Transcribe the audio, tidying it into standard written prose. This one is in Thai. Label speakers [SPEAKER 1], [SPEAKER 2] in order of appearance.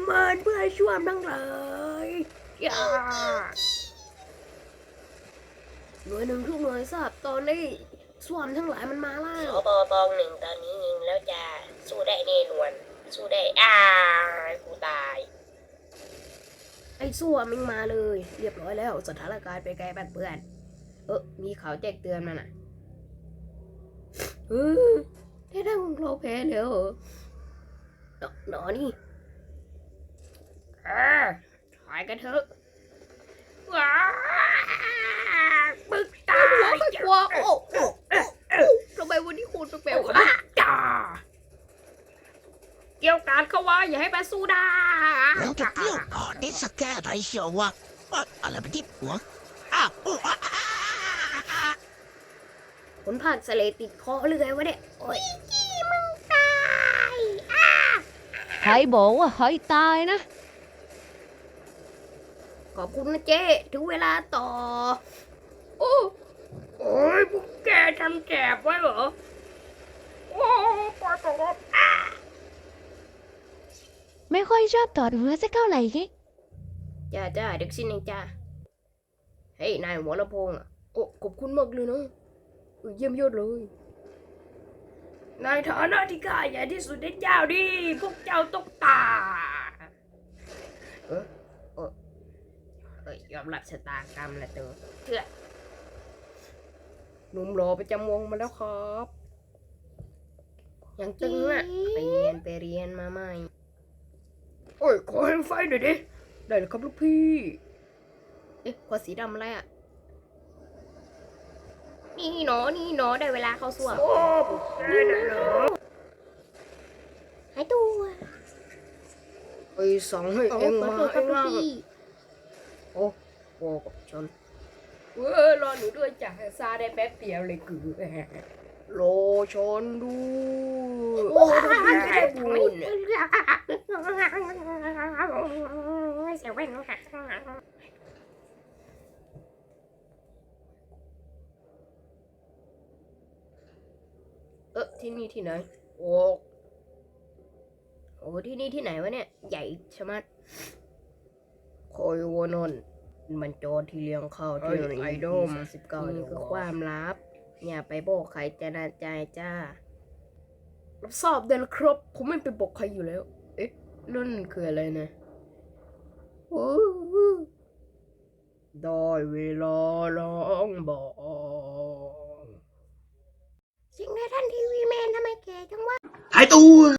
[SPEAKER 1] มันเพื่อช่วยทั้งหลายอย่าหน่วยหนึ่งทุกหน่วยทราบตอนนี้ส่วนทั้งหลายมันมาแล้
[SPEAKER 2] ส
[SPEAKER 1] ว
[SPEAKER 2] บปองหนึ่งตอนนี้ยิงแล้วจะสู้ได้แน่นอนสู้ได้กูตาย
[SPEAKER 1] ไอ้ส่วนมันมาเลยเรียบร้อยแล้วสถานการณ์ไปไกลบ้านเพื่อนมีข่าวแจ้งเตือนมาน่ะได้ได้ของเราแพ้แล้วเหรอหนอนี่ถ่ายกันเถอะว้าปึกตาหัวค่อยกลัวทำไมวันนี้คุณแปลกๆจ้าเกี่ยวการเขาว่าอย่าให้แปสู้ได้
[SPEAKER 3] แล้วจะเกี่ยวก่อนได้สักแค่ไหนเชียววะอะไรเป็นที่หัว
[SPEAKER 1] ผลผ่านสเลติดคอเรื่อยวะเนี่ยโอ้ยจี้มึงตาย
[SPEAKER 4] ใครบอกว่าใครตายนะ
[SPEAKER 1] ขอบคุณนะเจ๊ถึงเวลาต่อโอ้ยพวกแกทำแจบไว้เหรอโอ้ปล่อยตัว
[SPEAKER 4] ไม่ค่อยชอบถอดหัวสักเท่าไหร่ไง
[SPEAKER 1] จ้าเด็กสิ้นเองจ้าเฮ้ยนายหัวลำโพงอ่ะโอ้ขอบคุณมากเลยนะเยี่ยมยอดเลยนายฐานะที่ข้าใหญ่ที่สุดในเจ้าดิพวกเจ้าต้องตายอมรับชะตากรรมละตัวเถื่อหนุ่มรอประจำวงมาแล้วครับยังตึงอ่ะไปเรียนมาใหม่โอ้ยขอให้ไฟหน่อยดิได้เลยครับลูกพี่ขวดสีดำอะไรอ่ะนี่หนอได้เวลาเข้าส่วมโอ้ได้เหรอหายตัวไอ้สองให้เอ็งมาเอ็งล่ะโอ้กับชนรอหนูด้วยจ้ะซาได้แป๊บเดียวเลยคือโลชนดูโอ้ไม่ได้บุญเสียเว้นค่ะที่นี่ที่ไหนโอ้ที่นี่ที่ไหนวะเนี่ยใหญ่ชะมัดคอยวานนมันโจรที่เลี้ยงข้าวที่ไอดอม19นี่คือความลับอย่าไปบอกใครจะน่าใจจ้ารับทราบได้แล้วครับผมไม่ไปบอกใครอยู่แล้วนั่นคืออะไรนะได้เวลาร้องบอกจริงนะท่านทีวีแมนทำไมแกจังวะ
[SPEAKER 3] หายตัว